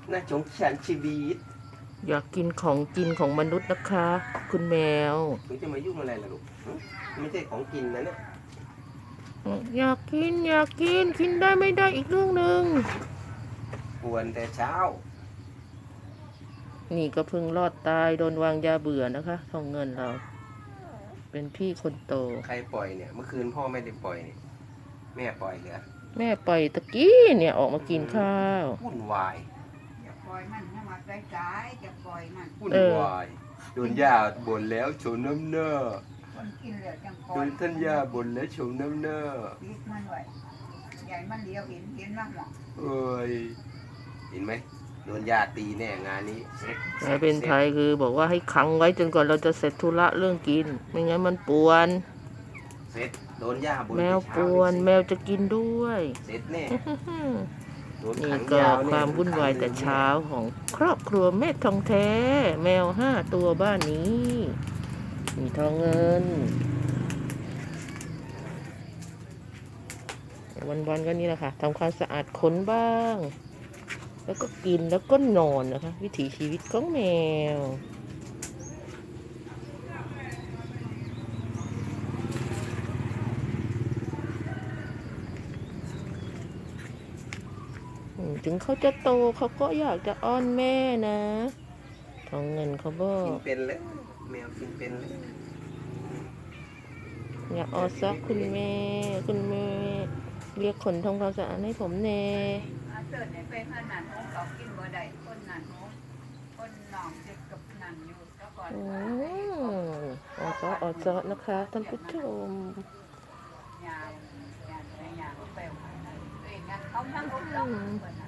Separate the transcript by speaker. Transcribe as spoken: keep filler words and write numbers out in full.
Speaker 1: น่าสงสารชีวิต
Speaker 2: อยากกินของกินของมนุษย์นะคะ คุณแมว
Speaker 1: หนูจะมายุ่งอะไรล่ะลูกไม่ใช่ของกินนะเนี่ย
Speaker 2: อยากกินอยากกินกินได้ไม่ได้อีกเรื่องหนึ่ง
Speaker 1: กวนแต่เช้า
Speaker 2: นี่ก็เพิ่งรอดตายโดนวางยาเบื่อนะคะทองเงินเรา เป็นพี่คนโต
Speaker 1: ใครปล่อยเนี่ยเมื่อคืนพ่อไม่ได้ปล่อยนี่แม่ปล่อยเหรอ
Speaker 2: แม่ปล่อยตะกี้เนี่ยออกมากินข้าว
Speaker 1: วุ่นวาย
Speaker 3: จะปล่อยมันให้มาใกล้ๆจะปล่อยมัน
Speaker 1: วุ่นวายโดนย่าบ่นแล้วโฉมน้ำเน้อ
Speaker 3: คนกินเหลือจังปล่
Speaker 1: โด
Speaker 3: อย
Speaker 1: นท่านย่าบ่นแล้วโฉมน้ำเน้อ
Speaker 3: ปิดมันไว้ใหญ่มันเดียวเห็นเห็นมากหมด
Speaker 1: เอ้ยเห็นไหมโดนย่าตีแน่งานนี้เซ็ต
Speaker 2: แม่เป็นไทยคือบอกว่าให้ขังไว้จนกว่าเราจะเสร็จธุระเรื่องกินไม่งั้นมันป่วน
Speaker 1: เซ็ตโดนย่าบ่น
Speaker 2: แมวป่วนแมวจะกินด้วย
Speaker 1: เซ็ตแน่
Speaker 2: นี่ก็ความวุ่นวายแต่เช้าของครอบครัวแม่ทองแท้แมวห้าตัวบ้านนี้มีทองเงินวันๆก็นี่แหละค่ะทำความสะอาดขนบ้างแล้วก็กินแล้วก็นอนนะคะวิถีชีวิตของแมวถึงเขาจะโตเขาก็อยากจะอ้อนแม่นะทองเงินเขาบอก
Speaker 1: กินเป็นเลยแมวกินเป็นเลย
Speaker 2: อยากอ้อนซักคุณแม่คุณแม่เรียกขนทำความสะอาดให้ผมแน่
Speaker 3: เสิร์ชในเฟซนั่นนั่นของเขากินบ่ได้คนนั่นของคนหนองเจ็บกับนั่นอยู่ก็ก่อน
Speaker 2: อ้อนซออ้อนซอนะคะท่านผู้ชม
Speaker 3: ยาวยาวยาวไปเองงั้นเขาทั้งหมด